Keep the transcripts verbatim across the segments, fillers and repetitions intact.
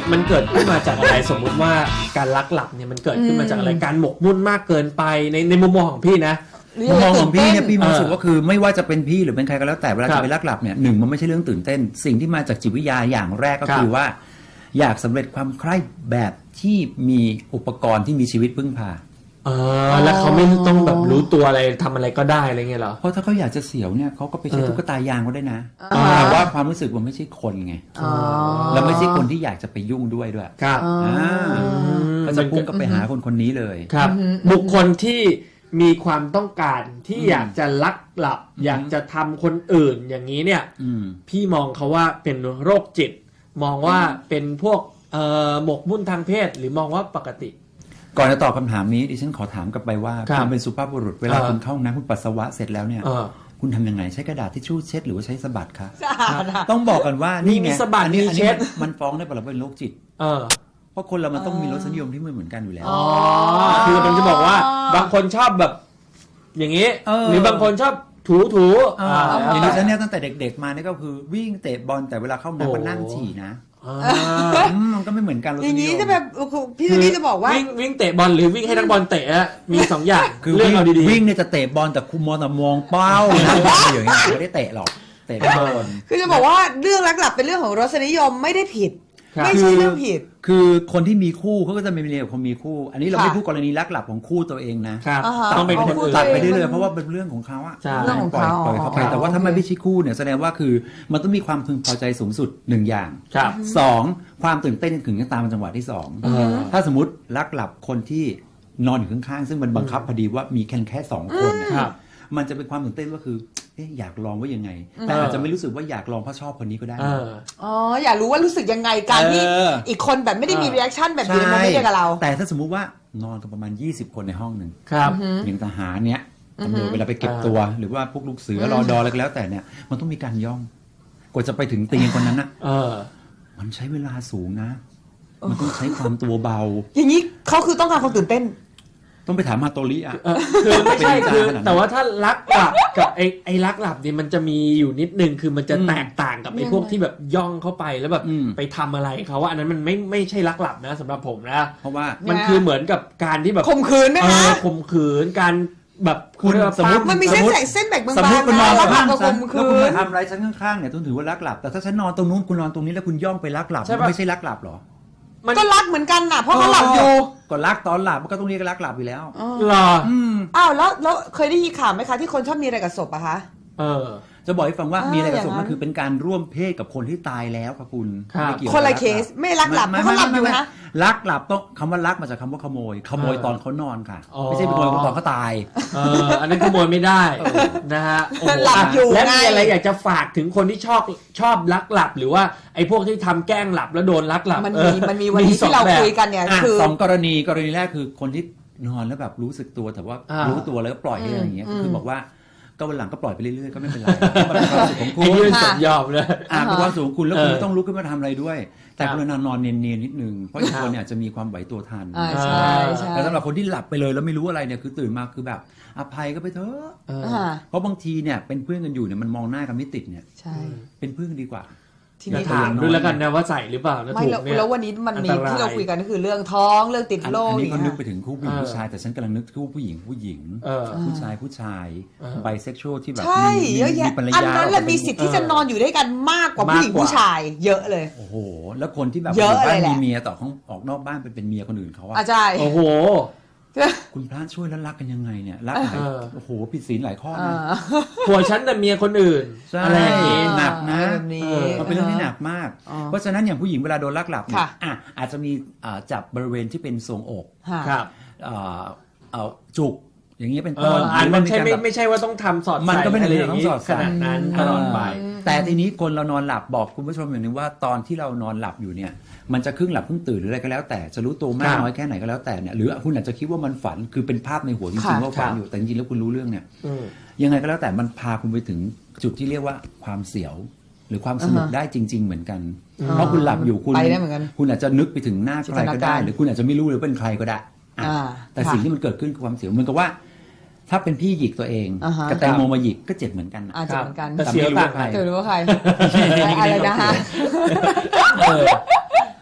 มันเกิดขึ้นมาจากอะไรสมมุติว่าการลักหลับเนี่ยมันเกิดขึ้นมาจากอะไรการหมกมุ่นมากเกินไปในในมุมมองของพี่นะมุมมองของพี่เนี่ยพี่รู้สึกเออว่าคือไม่ว่าจะเป็นพี่หรือเป็นใครก็แล้วแต่เวลาครับจะไปลักหลับเนี่ยหนึ่งมันไม่ใช่เรื่องตื่นเต้น สิ่งที่มาจากจิตวิทยาอย่างแรกก็ครับคือว่า อยากสำเร็จความใคร่แบบที่มีอุปกรณ์ที่มีชีวิตพึ่งพาเออแล้วเขาไม่ต้องแบบรู้ตัวอะไรทำอะไรก็ได้อะไรเงี้ยเหรอเพราะถ้าเขาอยากจะเสียวเนี่ยเขาก็ไปใช้เออตุ๊กตายางก็ได้นะอ่าแต่ว่าความรู้สึกมันไม่ใช่คนไงอ๋อแล้วไม่ใช่คนที่อยากจะไปยุ่งด้วยด้วยครับอ่าก็จะพุ่งก็ไปหาคนคนนี้เลยครับ บุคคลที่มีความต้องการที่อยากจะลักหลับ อยากจะทำคนอื่นอย่างนี้เนี่ยอืมพี่มองเขาว่าเป็นโรคจิต มองว่าเป็นพวกเอ่อหมกมุ่นทางเพศหรือมองว่าปกติก่อนจะตอบคำถามนี้ดิฉันขอถามกลับไปว่าครับคุณเป็นสุภาพบุรุษเวลาเออคุณเข้าห้องน้ำคุณปัสสาวะเสร็จแล้วเนี่ยเออคุณทำยังไงใช้กระดาษทิชชู่เช็ดหรือว่าใช้สะบัดคะสะอาดอะต้องบอกกันว่านี่ไงมีสะบัดอันนี้มีอันเช็นี้ดมันฟ้องได้ปะเราเป็นโรคจิตเออเพราะคนเรามันต้องมีรสนิยมที่ไม่เหมือนกันอยู่แล้วอ๋อคือมันจะบอกว่าบางคนชอบแบบ อย่างนี้เออหรือบางคนชอบถูถูเออ่าอแล้วอย่างแต่ดิฉันเนี่ยตั้งแต่เด็กๆมาเนี่ยก็คือวิ่งเตะบอลแต่เวลาเข้าห้องน้ำก็นั่งฉี่นะอ่าอืมมันก็ไม่เหมือนกันรสอย่างนินี้ยมจะแบบพี่ซันนี่จะบอกว่าวิ่งวิ่งเตะบอลหรือวิ่งให้นักบอลเตะอะมีสองอย่างคือเรื่องวิ่งเอาดีวิ่งเนี่ยจะเตะบอลแต่คุมมองแต่มองเป้านะอย่างเงี้ยไม่ได้เตะหรอกเตะบอลคือจะบอกว่าเรื่องลักหลับเป็นเรื่องของรสนิยมไม่ได้ผิดๆครับไม่ใช่เรื่องผิดคือคนที่มีคู่เขาก็จะมีเรียกับคนมีคู่ อันนี้เราค่ะไม่พูดกรณีลักหลับของคู่ตัวเองนะครับอ่าฮะต้องเป็นคนอื่นตัดไปเองเรื่อยๆเพราะว่าเป็นเรื่องของเขาอะใช่เรื่องของปล่อยเขาปล่อยเขาไปอ๋อแต่ว่าถ้าไม่ใช่คู่เนี่ยแสดงว่าคือมันต้องมีความพึงพอใจสูงสุดหนึ่งอย่างครับสองความตื่นเต้นถึงจะตามมาจังหวะที่สองเออถ้าสมมติลักหลับคนที่นอนอยู่ข้างๆซึ่งมันบังคับพอดีว่ามีแค่แค่สองคนเนี่ยครับมันจะเป็นความตื่นเต้นก็คือเอ๊ะอยากลองว่ายังไง แต่อาจจะไม่รู้สึกว่าอยากลองเพราะชอบคนนี้ก็ได้เอออ๋ออยากรู้ว่ารู้สึกยังไงการที่เอออีกคนแบบไม่ได้มีเออรีแอคชั่นแบบอยู่ในโมเมนต์เดียวกับเราแต่ถ้าสมมุติว่านอนกันประมาณยี่สิบคนในห้องหนึ่งครับอย่างทหารเนี้ยตำรวจเวลาไปเก็บตัว หรือว่าพวกลูกเสือรอดออะไรก็แล้วแต่เนี่ยมันต้องมีการย่องกว่าจะไปถึงเตียงคนนั้นน่ะเออมันใช้เวลาสูงนะ มันต้องใช้ความตัวเบาอย่างนี้เขาคือต้องการความตื่นเต้นต้องไปถามมาโตริอ่ะเออคือไม่ใช่เป็นคือขนาดนั้นแต่ว่าถ้าลักหลับกับไอ้ไอ้ลักหลับเนี่ยมันจะมีอยู่นิดนึงคือมันจะอืมแตกต่างกับไอ้ยังไงพวกที่แบบย่องเข้าไปแล้วแบบอืมไปทำอะไรเขาว่าอันนั้นมันไม่ไม่ใช่ลักหลับนะสำหรับผมนะเพราะว่ามันคือเหมือนกับการที่แบบข่มขืนไหมเอคะอข่มขืนการแบบคุณเรียกว่าสมมุติปั้มันมีเส้นสมมุติแสงเส้นแบ่งบางสมมติๆคุณนอนนะแล้วข้างก็ฉัข่นมแล้วขืคุณนมาทำอะไรฉันข้างๆเนี่ยต้องถือว่าลักหลับ แต่ถ้าฉันนอนตรงนู้นคุณนอนตรงนี้แล้วคุณย่องไปลักหลับมันไม่ใช่ลักหลับหรอมันก็รักเหมือนกันน่ะเพราะเขาหลับอยู่ก็ลักตอนหลับมันก็ต้องเรียกลักหลับอยู่แล้วหรออืมอ้าวแล้วแล้วเคยได้ยินข่าวไหมคะที่คนชอบมีอะไรกับศพอะคะเออจะบอกให้ฟังว่าอ่ามีมีอะไรกับศพอย่างนั้นมันคือเป็นการร่วมเพศกับคนที่ตายแล้วครับคุณครับไม่เกี่ยวคนละกับเคสไม่ลักหลับเพราะเขาหลับอยู่นะลักหลับต้องคำว่าลักมาจากคำว่าขโมย ขโมยเออตอนเขานอนค่ะอ๋อไม่ใช่เป็นขโมยตอนเขาตายเอออันนั้นขโมยไม่ได้นะฮะโอ้โหหลับอยู่และไงมีอะไรอยากจะฝากถึงคนที่ชอบชอบลักหลับ หรือว่าไอ้พวกที่ทำแกล้งหลับแล้วโดนลักหลับมันเอมีอมันมีวันนี้สองที่เราแบบคุยกันเนี่ยอ่ะคือสองกรณีกรณีแรกคือคนที่นอนแล้วแบบรู้สึกตัวแต่ว่าอ่ารู้รู้ตัวแล้วก็ปล่อยให้อะไรอย่างเงี้ยอืมคือบอกว่าก็วันหลังก็ปล่อยไปเรื่อยๆก็ไม่เป็นไรมันเป็นความสุขของคุไอ้ณนี่มันค่ะสมยอมเลยอ่าเป็นความสุขของคุณแล้วคุณเออไม่ต้องลุกขึ้นมาทำอะไรด้วย แต่ครับกรุณานอนเนียนๆนิดนึงเพราะอีกครับคนเนี่ยอาจจะมีความไหวตัวทันอ่าใช่ใช่แต่สำหรับคนที่หลับไปเลยแล้วไม่รู้อะไรเนี่ยคือตื่นมาคือแบบอภัยก็ไปเถอะเอออ่าเพราะบางทีเนี่ยเป็นเพื่อนกันอยู่เนี่ยมันมองหน้ากันไม่ติดเนี่ยใช่เป็นเพื่อนกันดีกว่าทีอย่านี้ถามด้วยแล้วกันนะว่าใส่หรือเปล่านะไม่ถูกแล้วเนี่ยแล้ววันนี้มันมีอันตรายที่เราคุยกันก็คือเรื่องท้องเรื่องติดอันโรคอันอนี้ย่างเขานึเงี้กยไปถึงคู่ผู้หญิงเออผู้ชายแต่ฉันกำลังนึกคู่ผู้หญิงผู้หญิงเออผู้ชายผู้ชายเออไบเซ็กชวลที่แบบใช่มีเยอะมีแยะภรรอันยานั้นแหละมีสิทธิ์ที่จะนอนอยู่ด้วยกันมากกว่าผู้หญิงมากกว่าผู้ชาย เยอะเลยโอ้โห แล้วคนที่แบบเยอะบ้านเลยแหละมีเมียต่อของออกนอกบ้านเป็นเป็นเมียคนอื่นเขาอะอาจารย์โอ้โหคุณพระช่วยแล้วรักกันยังไงเนี่ยรักหลายเออโอ้โหผิดศีลหลายข้ออ่านะผัวฉันแต่เมียคนอื่นใช่อะไรอย่างงี้หนักนะแบบนี้เออมันเป็นเรื่องที่หนักมากอ๋อเพราะฉะนั้นอย่างผู้หญิงเวลาโดนลักหลับเนี่ยค่ะอ่ะอาจจะมีอ่าจับบริเวณที่เป็นทรวงอกค่ะครับอ่าเอาจุกอย่างเงี้ยเป็นเอต้อน อันมันใช่หรืไม่ว่าการแบบไม่ใช่ว่าต้องทำสอดมันก็ไม่ได้ใส่อะไรอย่างต้องนี้สอดขใส่นาดนั้นตลอดไปแต่ทีนี้คนเรานอนหลับบอกคุณผู้ชมอย่างหนึงว่าตอนที่เรานอนหลับอยู่เนี่ยมันจะครึ่งหลับครึ่งตื่นหรืออะไรก็แล้วแต่จะรู้ตัวมาคกรับน้อยแค่ไหนก็แล้วแต่เนี่ยหรือคุณอาจจะคิดว่ามันฝันคือเป็นภาพในหัวจริงค่ะๆว่าฝันอยู่แต่จริงๆแล้วคุณรู้เรื่องเนี่ยอืมยังไงก็แล้วแต่มันพาคุณไปถึงจุดที่เรียกว่าความเสียว หรือความสนุกอ่าฮะได้จริง ๆ เหมือนกัน เพราะคุณหลับอยู่คุณไปได้เหมือนกันคุณอาจจะนึกไปถึงหน้าใครก็ได้จินตนาการหรือคุณอาจจะไม่รู้เลยเป็นใครก็ได้อ่ะอ่าแต่ค่ะสิ่งที่มันเกิดขึ้นคือความเสียวเหมือนกับว่า ถ้าเป็นพี่หยิกตัวเองอ่าฮะกับแตงโมมาหยิกก็เจ็บเหมือนกันนะอาจจะเหมือนกันแต่เสียวต่างกันเธอรู้ว่าใครนี่อะไรนะฮะเออ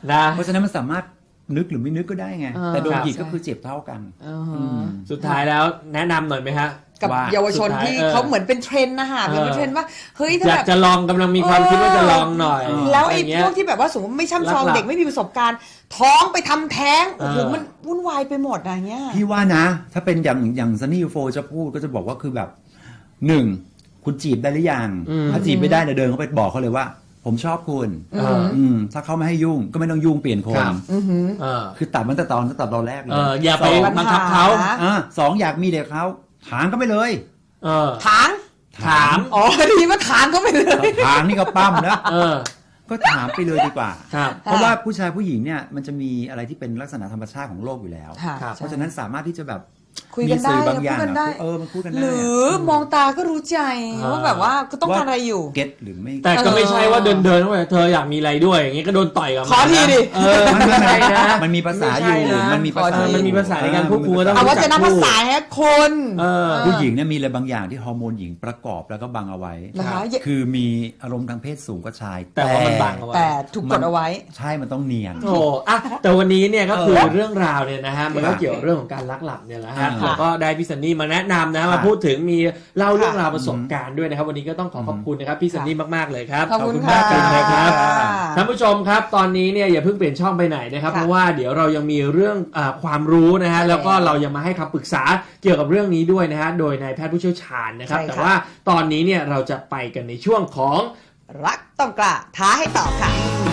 นะเพราะฉะนั้นมันสามารถนึกหรือไม่นึกก็ได้ไงเออแต่โดนครับหยิกก็คือเจ็บเท่ากันอ่าฮะอืมสุดท้ายแล้วแนะนำหน่อยไหมฮะกับว่าเยาวชนสุดท้ายที่เออเขาเหมือนเป็นเทรนด์นะคะเหมือนเป็นเทรนด์ว่าเฮ้ยถ้าอยาแบกบจะลองกำลังมีความคิดว่าจะลองหน่อยแล้วไอ้ะรเงี้พยวกที่แบบว่าสมมติไม่ช่ำชองหลักๆเด็กไม่มีประสบการณ์ ท้องไปทำแท้งโอ้โหเออมันวุ่นวายไปหมดอะไรเงี้ยพี่ว่านะ ถ้าเป็นอย่างอย่างซันนี่โฟจะพูดก็จะบอกว่าคือแบบหนึ่งคุณจีบได้หรือยังอืมถ้าจีบไม่ได้เนี่ยเดินเข้าไปบอกเขาเลยว่า ผมชอบคุณเอออืมถ้าเขาไม่ให้ยุ่งก็ไม่ต้องยุ่งเปลี่ยนคครันบอือหือเออคือตัดมันแต่ตอนตั้งแต่ตอนแรกเลยเอออย่าไปสองบังคับเขาปัญหาอ่าสองอยากมีเด็กเขาถางก็ไปเลยเออถางถามอ๋อดีว่าถางก็ไม่เลยถางนี่ก็ปั้มนะเออก็ถามไปเลยดีกว่าครับเพราะว่าผู้ชายผู้หญิงเนี่ยมันจะมีอะไรที่เป็นลักษณะธรรมชาติของโลกอยู่แล้วค่ะครับเพราะฉะนั้นสามารถที่จะแบบคุยกันได้มีสื่อบางอย่างพูดกันได้อะเออมันพูดกันได้หรือมองตาก็รู้ใจอ่าว่าแบบว่าก็ต้องการอะไรอยู่เก็ตหรือไม่แต่ก็ไม่ใช่ว่าเดินเดินๆเข้าไปเธออยากมีอะไรด้วยอย่างงี้ก็โดนต่อยกับขอทีดิเออมันไม่มันใช่นะมันมีภาษาอยู่ไม่ใช่นะมันมีภาษาขอทีมันมีภาษาในการพูดคุยก็ต้องเอาว่าจะนำภาษาให้คนเออผู้หญิงเนี่ยมีอะไรบางอย่างที่ฮอร์โมนหญิงประกอบแล้วก็บังเอาไว้นะคะคือมีอารมณ์ทางเพศสูงกว่าชายแต่ว่ามันบังเอาไว้แต่ถูกกดเอาไว้ใช่มันต้องเนียนโอ้อะแต่วันนี้เนี่ยก็คือเออเรื่องราวเนี่ยนะฮะมันก็เกี่ยวกับเรื่องของการลักหลับเนี่ยแหละฮะอ่าแล้วก็ได้พี่ซันนี่มาแนะนำนะค่ะมาพูดถึงมีเล่าเรื่องค่ะราวประสบการณ์ด้วยนะครับ วันนี้ก็ต้องขอขอบคุณนะครับพี่ซันนี่มากๆเลยครับขอบคุณมากค่ะเลยนะครับค่ะท่านผู้ชมครับตอนนี้เนี่ยอย่าเพิ่งเปลี่ยนช่องไปไหนนะครับค่ะเพราะว่าเดี๋ยวเรายังมีเรื่องอาความรู้นะฮะใช่แล้วก็เรายังมาให้คำปรึกษาเกี่ยวกับเรื่องนี้ด้วยนะฮะโดยนายแพทย์ผู้เชี่ยวชาญนะครับใช่ค่ะแต่ว่าตอนนี้เนี่ยเราจะไปกันในช่วงของรักต้องกล้าท้าให้ตอบค่ะ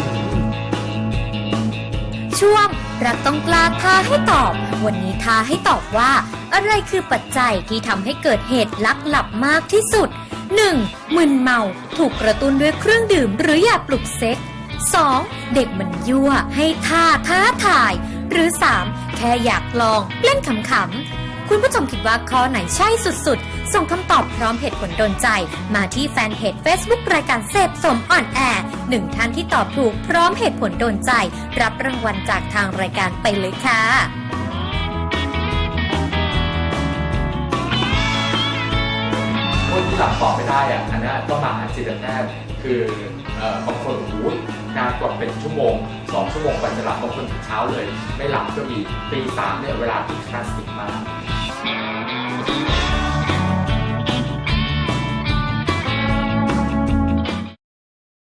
ช่วงรักต้องกล้าท้าให้ตอบ วันนี้ท้าให้ตอบว่า อะไรคือปัจจัยที่ทำให้เกิดเหตุลักหลับมากที่สุด หนึ่ง. มึนเมาถูกกระตุ้นด้วยเครื่องดื่มหรือยาปลุกเซ็ก สอง. เด็กมันยั่วให้ท่าท้าทาย หรือ สาม. แค่อยากลองเล่นขำๆคุณผู้ชมคิดว่าข้อไหนใช่สุดๆ ส่งคำตอบพร้อมเหตุผลโดนใจ มาที่แฟนเพจ Facebook รายการเสพสมอ่อนแอหนึ่งท่านที่ตอบถูกพร้อมเหตุผลโดนใจ รับรางวัลจากทางรายการไปเลยค่ะคนที่หลับต่อไม่ได้อะอันนั้นต้องมาหาจิตแพทย์คือเอ่อบางคนโอ้โหนานกว่าเป็นชั่วโมงสองชั่วโมงกว่าจะหลับบางคนถึงเช้าเลย ไม่หลับก็มีตีสามเนี่ยเวลาที่คลาสสิกมาก